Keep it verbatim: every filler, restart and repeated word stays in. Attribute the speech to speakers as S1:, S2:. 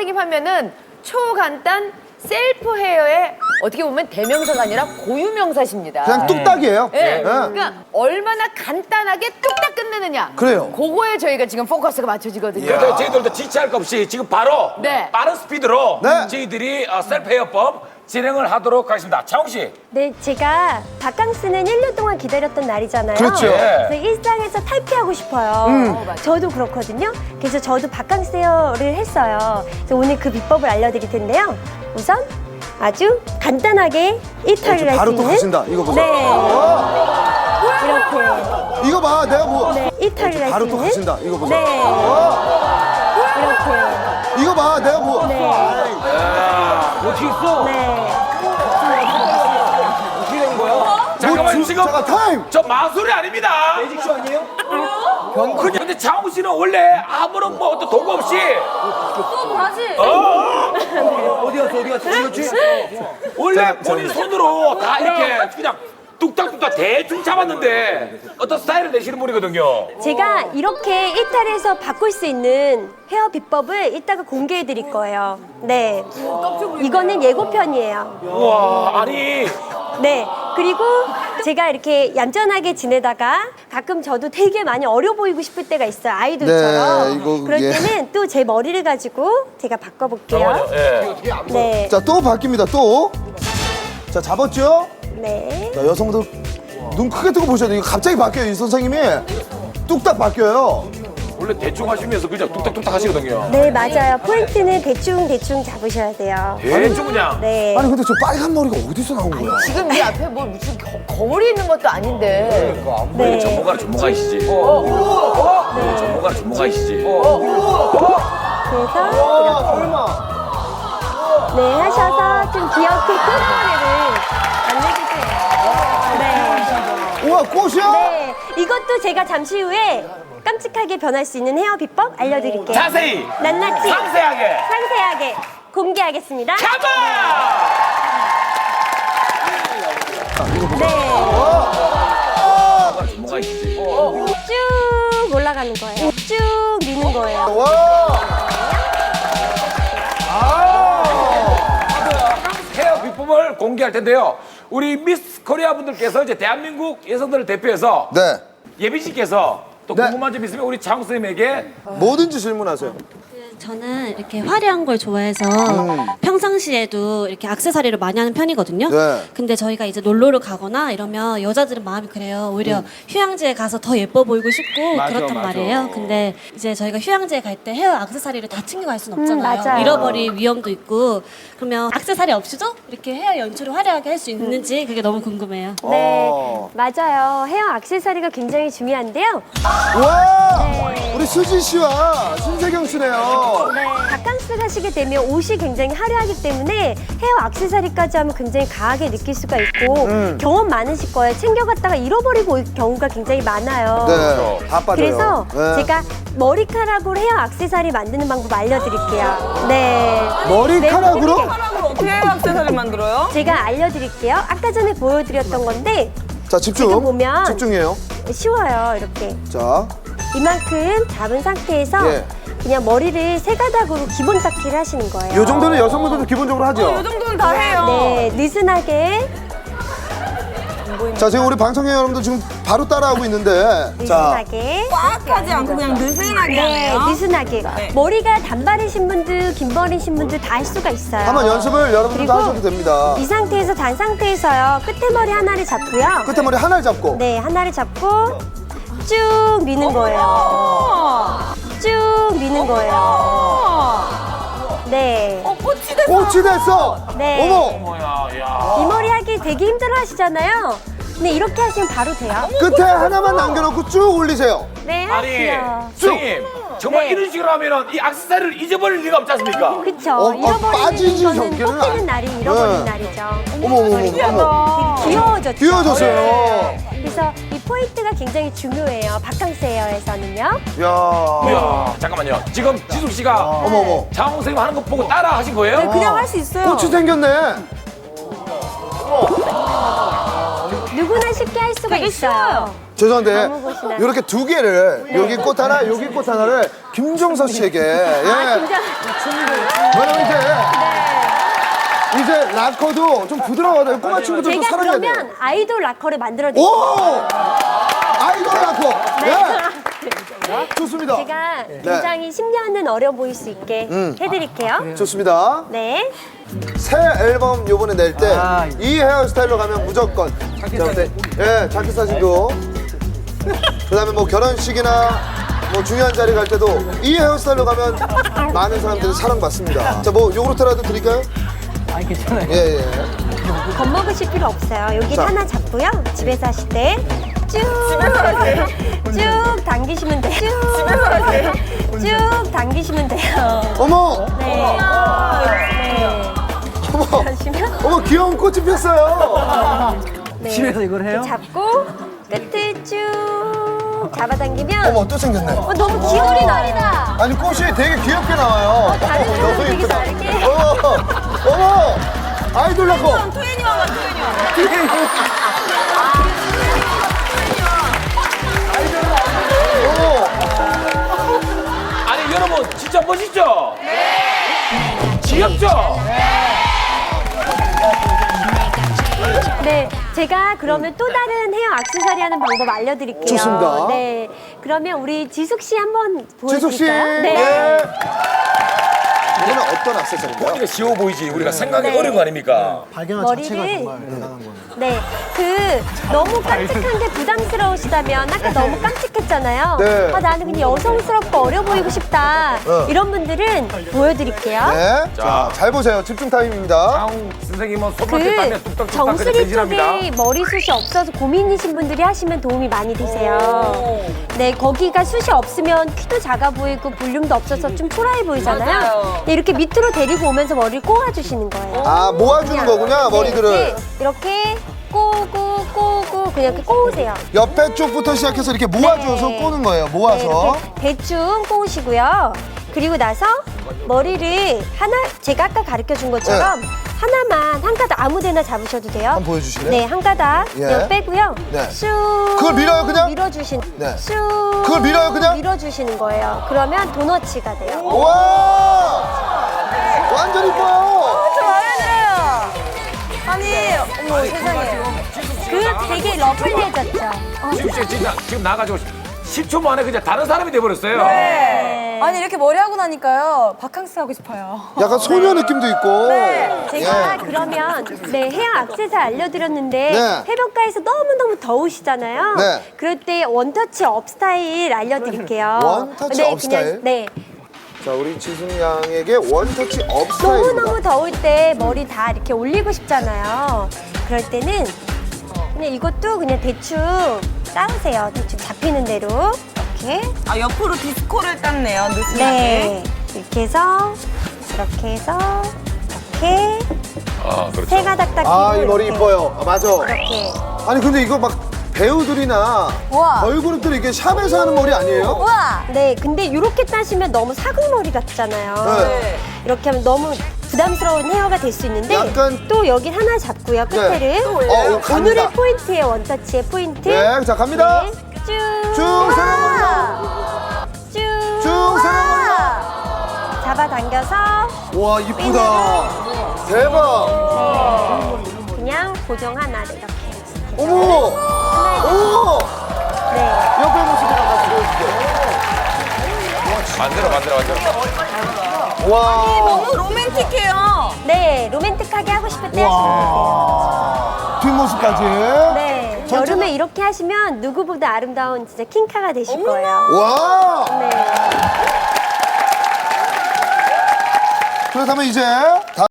S1: 선생님 하면은 초간단 셀프 헤어의 어떻게 보면 대명사가 아니라 고유명사십니다.
S2: 그냥 뚝딱이에요.
S1: 네.
S2: 네.
S1: 그러니까 얼마나 간단하게 뚝딱 끝내느냐.
S2: 그래요.
S1: 그거에 저희가 지금 포커스가 맞춰지거든요.
S3: 그래서 저희들도 지체할 것 없이 지금 바로
S1: 네.
S3: 빠른 스피드로
S2: 네.
S3: 저희들이 어, 셀프 헤어법 진행을 하도록 하겠습니다. 차홍 씨.
S4: 네, 제가 바캉스는 일 년 동안 기다렸던 날이잖아요.
S2: 그렇죠.
S4: 그래서 일상에서 탈피하고 싶어요.
S2: 음.
S4: 저도 그렇거든요. 그래서 저도 바캉스 헤어를 했어요. 그래서 오늘 그 비법을 알려드릴 텐데요. 우선 아주 간단하게 일탈을 할 수
S2: 바로
S4: 있는
S2: 또 가신다. 이거 보세요.
S4: 네.
S2: 어,
S4: 이렇게
S2: 이거 봐. 내가 뭐.
S4: 네, 일탈을 할
S2: 바로
S4: 수
S2: 또
S4: 있는
S2: 가신다. 이거 보세요.
S4: 네.
S2: 어,
S4: 이렇게
S2: 이거 봐. 내가 뭐.
S4: 네.
S3: 어떻게 있어?
S4: 네.
S3: 어떻게 된 거야? 잠깐만
S2: 뭐 주-
S3: 지금
S2: 잠깐, 타임!
S3: 저 마술이 아닙니다. 매직쇼 아니에요? 왜요? 근데, 근데 차홍 씨는 원래 아무런 뭐 어떤 도구 없이
S5: 어디 갔어 어디 갔어 어디 갔지?
S3: 원래 본인 손으로 다 이렇게 그냥 뚝딱뚝딱 대충 잡았는데 어떤 스타일을 내시는 분이거든요.
S4: 제가 이렇게 일탈해서 바꿀 수 있는 헤어 비법을 이따가 공개해 드릴 거예요. 네. 이거는 예고편이에요.
S3: 우와 아니
S4: 네. 그리고 제가 이렇게 얌전하게 지내다가 가끔 저도 되게 많이 어려 보이고 싶을 때가 있어요. 아이돌처럼.
S2: 네, 이거,
S4: 그럴
S2: 예.
S4: 때는 또 제 머리를 가지고 제가 바꿔볼게요.
S3: 잠깐만요. 예.
S4: 네.
S2: 자, 또 바뀝니다. 또. 자, 잡았죠?
S4: 네.
S2: 자, 여성분들 눈 크게 뜨고 보셔야 돼요. 이거 갑자기 바뀌어요. 이 선생님이. 뚝딱 바뀌어요.
S3: 원래 대충 하시면서 그냥 뚝딱뚝딱 하시거든요.
S4: 네, 맞아요. 포인트는 대충대충 잡으셔야 돼요.
S3: 대충 그냥.
S4: 네.
S2: 아니, 근데 저 빨간 머리가 어디서 나온 거야?
S1: 지금 이 앞에 뭐 무슨 거, 거울이 있는 것도 아닌데.
S4: 네.
S3: 전문가는 전문가이시지.
S4: 네.
S3: 전문가는 전문가이시지.
S4: 그래서
S2: 아, 설마.
S4: 네, 하셔서 좀 귀엽게 꽃머리를 만들주세요. 네.
S2: 우와, 꽃이야?
S4: 네. 이것도 제가 잠시 후에 깜찍하게 변할 수 있는 헤어 비법 알려드릴게요.
S3: 자세히
S4: 낱낱이
S3: 상세하게
S4: 상세하게 공개하겠습니다.
S3: 가봐.
S4: 네.
S3: 전문가이시지.
S4: 쭉 올라가는 거예요. 쭉 미는 거예요.
S2: 와.
S3: 헤어 비법을 공개할 텐데요. 우리 미스 코리아 분들께서 이제 대한민국 여성들을 대표해서
S2: 네.
S3: 예빈 씨께서 또
S2: 네.
S3: 궁금한 점 있으면 우리 장우 선생님에게
S2: 뭐든지 질문하세요.
S6: 저는 이렇게 화려한 걸 좋아해서 평상시에도 이렇게 액세서리를 많이 하는 편이거든요.
S2: 네.
S6: 근데 저희가 이제 놀러를 가거나 이러면 여자들은 마음이 그래요. 오히려 휴양지에 가서 더 예뻐 보이고 싶고
S3: 맞아,
S6: 그렇단
S3: 맞아.
S6: 말이에요. 근데 이제 저희가 휴양지에 갈 때 헤어 액세서리를 다 챙겨갈 수는 없잖아요.
S4: 맞아요.
S6: 잃어버릴 위험도 있고 그러면 액세서리 없이도 이렇게 헤어 연출을 화려하게 할 수 있는지 그게 너무 궁금해요.
S4: 네,
S2: 어.
S4: 맞아요. 헤어 액세서리가 굉장히 중요한데요.
S2: 와.
S4: 네.
S2: 우리 수지 씨와 신세경 씨네요.
S4: 네, 바캉스 가시게 되면 옷이 굉장히 화려하기 때문에 헤어 액세서리까지 하면 굉장히 강하게 느낄 수가 있고
S2: 음.
S4: 경험 많으실 거예요. 챙겨갔다가 잃어버리고 올 경우가 굉장히 많아요.
S2: 네. 다 빠져요.
S4: 그래서
S2: 네.
S4: 제가 머리카락으로 헤어 액세서리 만드는 방법 알려드릴게요. 네.
S2: 머리카락으로?
S4: 네,
S7: 어떻게 헤어 액세서리를 만들어요?
S4: 제가 알려드릴게요. 아까 전에 보여드렸던 건데
S2: 자, 집중.
S4: 지금 보면
S2: 집중해요.
S4: 쉬워요. 이렇게
S2: 자.
S4: 이만큼 잡은 상태에서
S2: 예.
S4: 그냥 머리를 세 가닥으로 기본 닦기를 하시는 거예요.
S2: 요 정도는 여성분들도 기본적으로 하죠.
S7: 이 정도는 다 해요.
S4: 네, 느슨하게
S2: 자, 지금 우리 방청객 여러분들 지금 바로 따라하고 있는데. 자.
S4: 느슨하게
S7: 꽉 하지 않고 그냥 느슨하게
S4: 네,
S7: 하네요.
S4: 느슨하게
S7: 네.
S4: 머리가 단발이신 분들, 긴 머리신 분들 다 할 수가 있어요.
S2: 한번 연습을 여러분들도
S4: 그리고
S2: 하셔도 됩니다.
S4: 이 상태에서 단 상태에서요. 끝에 머리 하나를 잡고요.
S2: 끝에 머리 하나를 잡고.
S4: 네, 하나를 잡고 쭉 미는 거예요. 쭉 미는 거예요. 네.
S7: 어, 꽃이 됐어.
S2: 꽃이 됐어.
S4: 네.
S2: 어머.
S3: 뭐야 야.
S4: 이 머리 하기 되게 힘들어 하시잖아요. 근데 이렇게 하시면 바로 돼요.
S2: 끝에 하나만 남겨놓고 쭉 올리세요.
S4: 네,
S3: 아니
S4: 하세요.
S3: 선생님 정말
S4: 네.
S3: 이런 식으로 하면은 이 액세서리를 잊어버릴 리가 없지 않습니까?
S4: 그쵸.
S2: 어, 어,
S4: 잃어버리는
S2: 빠지지
S4: 거는
S2: 않기는
S4: 뽑히는
S2: 안-
S4: 날이 잃어버린
S2: 네.
S4: 날이죠.
S2: 어머, 어머, 어머, 어머.
S4: 되게 귀여워졌죠.
S2: 귀여워졌어요.
S4: 네. 그래서 이 포인트가 굉장히 중요해요. 바캉스 헤어에서는요.
S2: 야.
S3: 이야 잠깐만요. 지금 지숙 씨가
S2: 어머, 어머.
S3: 장우 선생님 하는 거 보고 따라 하신 거예요?
S7: 네, 그냥 할 수 있어요.
S2: 꽃이 생겼네.
S4: 누구나 쉽게 할 수가
S7: 되게
S4: 있어요.
S7: 쉬워요.
S2: 죄송한데
S4: 아무 곳이나.
S2: 이렇게 두 개를 여기 꽃 하나, 여기 꽃 하나를 김종서 씨에게. 예.
S4: 아, 진짜.
S2: 왜냐면 이제 이제 락커도 좀 부드러워요. 꼬마 친구들도
S4: 제가
S2: 사랑해야 돼요.
S4: 그러면 아이돌 락커를 만들어 드릴게요.
S2: 오! 아이돌 락커.
S4: 네.
S2: 예. 좋습니다.
S4: 제가 굉장히 십 년은 어려 보일 수 있게
S2: 음.
S4: 해드릴게요.
S2: 좋습니다.
S4: 네.
S2: 새 앨범 요번에 낼 때 이 헤어스타일로 가면 무조건 자켓 예, 자켓 사진도 그다음에 뭐 결혼식이나 뭐 중요한 자리 갈 때도 이 헤어스타일로 가면 많은 사람들이 사랑받습니다. 자, 뭐 요구르트라도 드릴까요?
S5: 아, 괜찮아요.
S2: 예, 예.
S4: 겁먹으실 필요 없어요. 여기
S2: 자.
S4: 하나 잡고요. 집에서 하실 때 쭉 쭉 당기시면 돼요. 쭉, 쭉 당기시면 돼요.
S2: 어머!
S4: 네. 네.
S2: 어머!
S4: 하시면
S2: 어머, 귀여운 꽃이 폈어요.
S4: 네.
S5: 집에서 이걸 해요?
S4: 이렇게 잡고 끝을 쭉 잡아당기면
S2: 어머, 또 생겼네.
S4: 어, 너무 귀여운 날이다.
S2: 아니, 꽃이 되게 귀엽게 나와요.
S4: 다른
S2: 어머,
S4: 사람
S2: 너무
S4: 되게
S2: 예쁘다.
S4: 다르게.
S2: 어머! 어머! 아이돌 락커.
S7: 토연이 와봐, 토연이 와.
S2: 어머!
S3: 아니 여러분 진짜 멋있죠? 네. 귀엽죠?
S4: 네, 제가 그러면 또 다른 헤어 액세서리 하는 방법 알려드릴게요.
S2: 좋습니다.
S4: 네, 그러면 우리 지숙 씨 한번
S2: 지숙 씨.
S4: 보여드릴까요? 네.
S2: 예. 이거는 어떤 액세서리인가요?
S3: 보니까 쉬워 보이지 우리가 생각이
S4: 네.
S3: 어려운 거 아닙니까?
S2: 발견한
S4: 머리를 네, 그 너무 깜찍한 게 부담스러우시다면 아까 너무 깜찍했잖아요.
S2: 네.
S4: 아, 나는 그냥 여성스럽고 어려 보이고 싶다.
S2: 어.
S4: 이런 분들은 보여드릴게요.
S2: 네. 자, 잘 보세요. 집중 타임입니다.
S3: 장 선생님은 손밖에 따면
S4: 그
S3: 뚝딱뚝딱
S4: 정수리
S3: 변신합니다.
S4: 쪽에 머리숱이 없어서 고민이신 분들이 하시면 도움이 많이 되세요. 네, 거기가 숱이 없으면 키도 작아 보이고 볼륨도 없어서 좀 초라해 보이잖아요.
S7: 맞아요.
S4: 네, 이렇게 밑으로 데리고 오면서 머리를 꼬아주시는 거예요.
S2: 아, 모아주는 거군요, 머리들을.
S4: 네, 이렇게 꼬고 꼬고 그냥 이렇게 꼬으세요.
S2: 옆에 쪽부터 시작해서 이렇게 모아줘서
S4: 네.
S2: 꼬는 거예요.
S4: 네,
S2: 모아서.
S4: 이렇게 대충 꼬으시고요. 그리고 나서 머리를 하나 제가 아까 가르쳐 준 것처럼 하나만 한 가닥 아무데나 잡으셔도 돼요.
S2: 한번 보여주실래요?
S4: 네, 한 가닥
S2: 예.
S4: 그냥 빼고요.
S2: 네.
S4: 쑥
S2: 그걸 밀어요, 그냥?
S4: 밀어주신.
S2: 네.
S4: 쑥
S2: 그걸 밀어요, 그냥?
S4: 밀어주시는 거예요. 그러면 도너츠가 돼요.
S2: 와! 완전 이뻐요.
S7: 저 마음에 들어요. 아니, 어머, 세상에.
S4: 그 되게 러블리해졌죠. 어,
S3: 지금 씨 진짜 지금 나가지고 십 초 만에 그냥 다른 사람이 돼버렸어요.
S7: 네. 아니, 이렇게 머리 하고 나니까요. 바캉스 하고 싶어요.
S2: 약간 소녀 느낌도 있고.
S4: 제가
S2: 예.
S4: 그러면 네 헤어 액세서리 알려드렸는데
S2: 네.
S4: 해변가에서 너무너무 더우시잖아요.
S2: 네.
S4: 그럴 때 원터치 업 스타일 알려드릴게요.
S2: 원터치 업 스타일?
S4: 네.
S2: 자, 우리 지숙 양에게 원터치 업 스타일입니다.
S4: 너무너무 더울 때 머리 다 이렇게 올리고 싶잖아요. 그럴 때는 그냥 이것도 그냥 대충 따으세요. 대충 잡히는 대로. 이렇게.
S7: 아, 옆으로 디스코를 땄네요, 느슨하게.
S4: 네. 이렇게 해서 이렇게 해서 이렇게
S3: 아 그렇죠.
S4: 세 가닥 딱
S2: 아,
S4: 끼고
S2: 이 머리
S4: 이렇게.
S2: 이뻐요. 아, 맞아.
S4: 이렇게.
S2: 아니, 근데 이거 막 배우들이나
S7: 우와.
S2: 걸그룹들이 이게 샵에서 하는 머리 아니에요?
S7: 우와!
S4: 네, 근데 이렇게 따시면 너무 사극머리 같잖아요.
S2: 네.
S4: 이렇게 하면 너무 부담스러운 헤어가 될 수 있는데
S2: 약간-
S4: 또 여기 하나 잡고요, 끝에를.
S2: 네. 또 올려요? 어, 갑니다.
S4: 오늘의 포인트예요, 원터치의 포인트.
S2: 네, 자, 갑니다.
S4: 네, 쭉.
S2: 쭉 세워봅니다.
S4: 쭉.
S2: 쭉 세워봅니다.
S4: 잡아당겨서
S2: 와, 이쁘다. 대박.
S4: 그냥 고정 하나를 이렇게.
S2: 어머! 어머!
S4: 네.
S2: 옆에 모습을 한번 보여주세요.
S3: 만들어 만들어 만들어.
S2: 와.
S7: 너무 로맨틱해요.
S4: 네, 로맨틱하게 하고 싶을 때 하시면 돼요.
S2: 뒷모습까지.
S4: 네.
S2: 전체가-
S4: 여름에 이렇게 하시면 누구보다 아름다운 진짜 킹카가 되실 거예요.
S2: 와.
S4: 네.
S2: 그렇다면 이제